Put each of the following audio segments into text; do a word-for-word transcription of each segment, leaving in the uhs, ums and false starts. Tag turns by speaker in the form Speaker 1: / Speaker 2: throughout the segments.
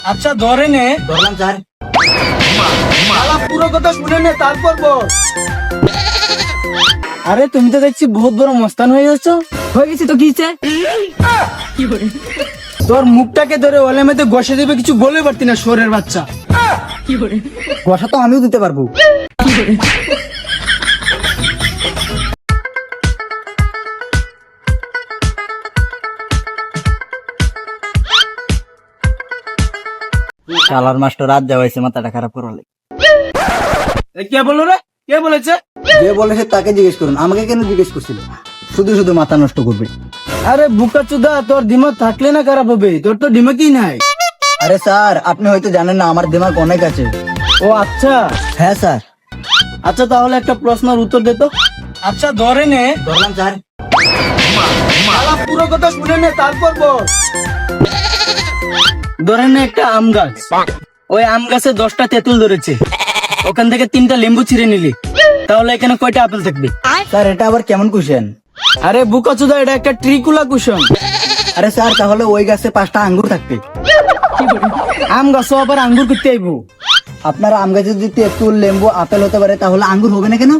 Speaker 1: আচ্ছা ধরে নে।
Speaker 2: ধরলাম স্যার।
Speaker 1: শালা পুরো কথা শুনে নে তারপর বল। আরে তুমি তো দেখছি বহুত বড় মস্তান হয়ে যাচ্ছ।
Speaker 3: হয়ে গেছি তো কিছে
Speaker 1: তোর মুখটাকে ধরে ওলে মেতে ঘষে দেবে, কিছু বলে পারতি না শোরের বাচ্চা।
Speaker 2: কষা তো আমিও দিতে পারবো। শালার মাস্টার রাত যাওয়াইছে মাথাটা খারাপ করলে।
Speaker 1: এ কে বললো রে? কে বলেছে?
Speaker 2: যে বলেছে তাকে জিজ্ঞেস করুন, আমাকে কেন জিজ্ঞেস করছিল? শুধু শুধু মাথা নষ্ট করবে।
Speaker 1: আরে বুকা চুদা, তোর দিমাগ থাকলে না খারাপ হবে, তোর তো দিমাগই নাই।
Speaker 2: আরে স্যার, আপনি হয়তো জানেন না আমার দিমাগ অনেক আছে।
Speaker 1: ও আচ্ছা।
Speaker 2: হ্যাঁ স্যার।
Speaker 1: আচ্ছা তাহলে একটা প্রশ্নের উত্তর দে তো। আচ্ছা ধরে নে।
Speaker 2: ধরলাম স্যার।
Speaker 1: শালা পুরো কথা শুনে নে তারপর বল। ধরে নে একটা আম গাছ, ওই আম গাছে দশটা তেঁতুল ধরেছে, ওখান থেকে তিনটা লেম্বু ছিঁড়ে নিলি, তাহলে এখানে কয়টা আপেল থাকবে?
Speaker 2: স্যার এটা আবার কেমন কোশ্চেন?
Speaker 1: আরে বুকা চুদা, এটা একটা ট্রিকুলা কুশন।
Speaker 2: আরে স্যার তাহলে ওই গাছে পাঁচটা আঙ্গুর থাকবে।
Speaker 1: আম গাছও আবার আঙ্গুর করতে আইবো?
Speaker 2: আপনার আম গাছে যদি তেঁতুল লেম্বু আপেল হতে পারে তাহলে আঙ্গুর হবে না কেন?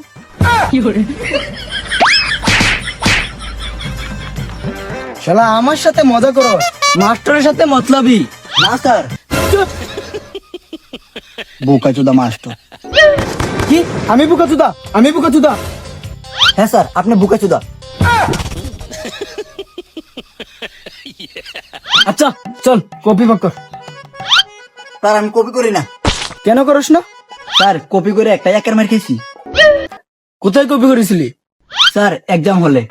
Speaker 1: শালা আমার সাথে মজা করো, মাস্টারের সাথে মতলবি
Speaker 2: না স্যার। বোকাচোদা মাস্টার।
Speaker 1: কি? আমি বুকা চুদা? আমি বুকা চুদা?
Speaker 2: হ্যাঁ স্যার, আপনি বোকাচোদা।
Speaker 1: আচ্ছা চল কপি পাক কর।
Speaker 2: স্যার আমি কপি করি না।
Speaker 1: কেন করস না?
Speaker 2: স্যার কপি করে একটা একের মার খেয়েছি।
Speaker 1: কোথায় কপি করেছিলি?
Speaker 2: স্যার এক্সাম হলে।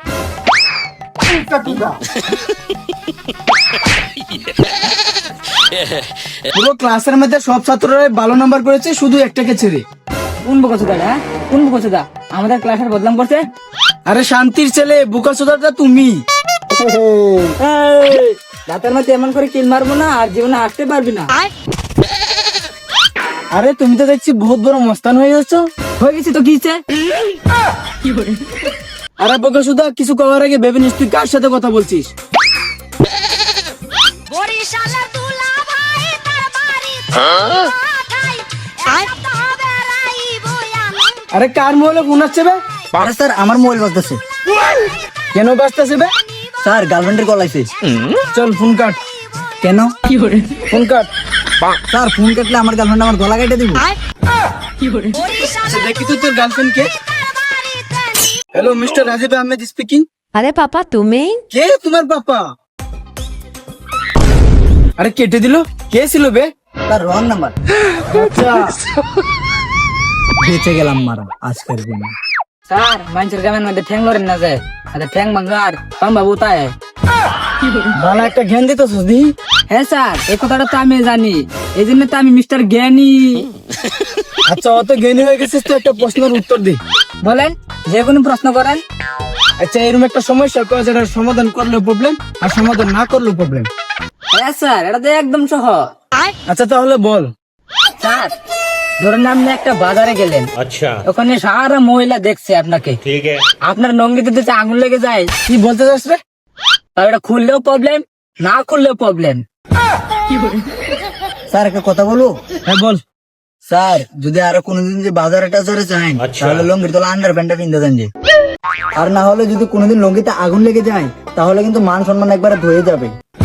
Speaker 1: পুরো ক্লাসের মধ্যে সব ছাত্ররা ভালো নাম্বার করেছে, শুধু একটাকে ছেড়ে।
Speaker 3: কোন বুকাচোদা? হ্যাঁ কোন বুকাচোদা আমাদের ক্লাসের বদনাম করছে?
Speaker 1: আরে শান্তির ছেলে, বুকা চোদাটা তুমি।
Speaker 3: রাতের মধ্যে এমন করে কিল মারবো না, আর জীবনে আসতে পারবি না।
Speaker 1: আরে তুমি তো দেখছি বহুত বড় মস্তান হয়ে যাচ্ছ।
Speaker 3: হয়ে গেছি তো কিছে
Speaker 1: আরে বুকা চোদা, কিছু করার আগে ভেবে নিস তুই কার সাথে কথা বলছিস।
Speaker 4: বরিশালের দুলা ভাই তার বাড়ি পাঠাই একটা হবে রাইব আমি।
Speaker 1: আরে কার মোবাইলে ফোন আসছে বে?
Speaker 2: আরে স্যার আমার মোবাইল বাজতেছে।
Speaker 1: কেন বাজতেছে বে?
Speaker 2: স্যার গার্লফ্রেন্ডের কল আইছে।
Speaker 1: চল ফোন কাট।
Speaker 2: কেন?
Speaker 1: Phone cut.
Speaker 2: স্যার ফোন কাটলে আমার গার্লফ্রেন্ড আমার গলা কেটে দিব।
Speaker 1: আচ্ছা দেখি তো তোর গার্লফ্রেন্ড কে। Hello mister Rajeev Ahmed speaking.
Speaker 5: আরে পাপা তুমি?
Speaker 1: কে তোমার পাপা? আরে কেটে দিল, কে ছিল বে?
Speaker 2: Sir wrong number.
Speaker 1: আচ্ছা
Speaker 2: বেঁচে গেলাম মারা আজকের দিন।
Speaker 3: স্যার মানুষের গ্রামের মধ্যে ঠ্যাং লড়েন না যায়, আচ্ছা ঠ্যাং ভাঙার পাম্বা বুতায়।
Speaker 1: ভালো একটা জ্ঞান দিত সুদি।
Speaker 3: হ্যাঁ স্যার, এই কথাটা তো আমি জানি, এই জন্য তো আমি মিস্টার জ্ঞানী।
Speaker 1: আচ্ছা অত জ্ঞানী হয়ে গেছিস তো একটা প্রশ্নের উত্তর দে।
Speaker 3: বলেন, যে কোনো প্রশ্ন করেন।
Speaker 1: আচ্ছা এরকম একটা সমস্যা কয় যেটা সমাধান করলেও প্রবলেম আর সমাধান না করলেও প্রবলেম।
Speaker 3: হ্যাঁ স্যার, এটা তো একদম সহজ।
Speaker 1: আচ্ছা তাহলে বল।
Speaker 3: স্যার ধরুন আপনি একটা বাজারে গেলেন,
Speaker 6: अच्छा
Speaker 3: ওখানে সারা মহিলা দেখছে আপনাকে,
Speaker 6: ठीक है
Speaker 3: আপনার নঙ্গিতে যদি আঙুল লেগে যায়,
Speaker 1: কি বলতে চাস রে?
Speaker 3: তাহলে এটা খুললেও প্রবলেম, না খুললেও প্রবলেম।
Speaker 2: স্যার একটা কথা বলবো?
Speaker 1: হ্যাঁ বল।
Speaker 2: স্যার যদি আরো কোনোদিন যে বাজারে টাজারে যান
Speaker 6: আচ্ছা।
Speaker 2: তাহলে লঙ্গির তলা আন্ডার প্যান্টটা কিনতে দেন যে। আর না হলে যদি কোনোদিন লঙ্গিতে আগুন লেগে যায় তাহলে কিন্তু মান সম্মান একবারে ধুয়ে যাবে।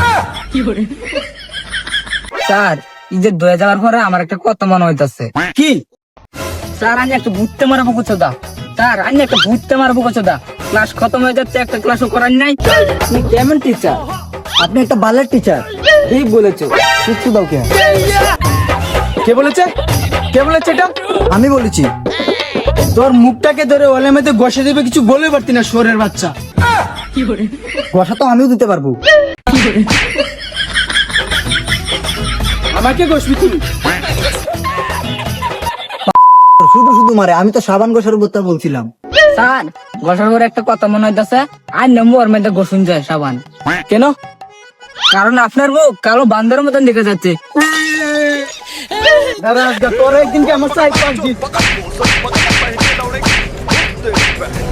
Speaker 3: স্যার ঈদের ধুয়ে যাওয়ার পরে আমার একটা কথা মনে হইতাছে।
Speaker 1: কি?
Speaker 3: স্যার আমি একটা ভূততে মারবো কোচোদা। স্যার আমি একটা ভূততে মারবো কোচোদা। ক্লাস খতম হয়ে যাচ্ছে, একটা ক্লাসও করার নাই। তুমি কেমন টিচার?
Speaker 2: আপনি একটা বালের টিচার।
Speaker 3: ঠিক বলেছো।
Speaker 2: শিক্ষু দাও কে?
Speaker 1: কে বলেছে? কে বলেছে এটা?
Speaker 2: আমি বলেছি।
Speaker 1: তোর মুখটাকে ধরে ওলে মেতে ঘষে দেবে, কিছু বলে পারতি না শোরের বাচ্চা।
Speaker 2: কষা তো আমিও দিতে পারবো।
Speaker 1: আমাকে ঘষবি তুই?
Speaker 2: শুধু শুধু মারে, আমি তো সাবান ঘষার উপর বলছিলাম।
Speaker 3: স্যার ঘষার পরে একটা কথা মনে হইতাছে, আর নম্বর ওর মধ্যে গোসুন যায় সাবান।
Speaker 1: কেন?
Speaker 3: কারণ আপনার মুখ কালো বান্দরের মতন দেখা যাচ্ছে।
Speaker 1: দাদা তোর একদিনকে আমার সাইড পাঁচ দিন।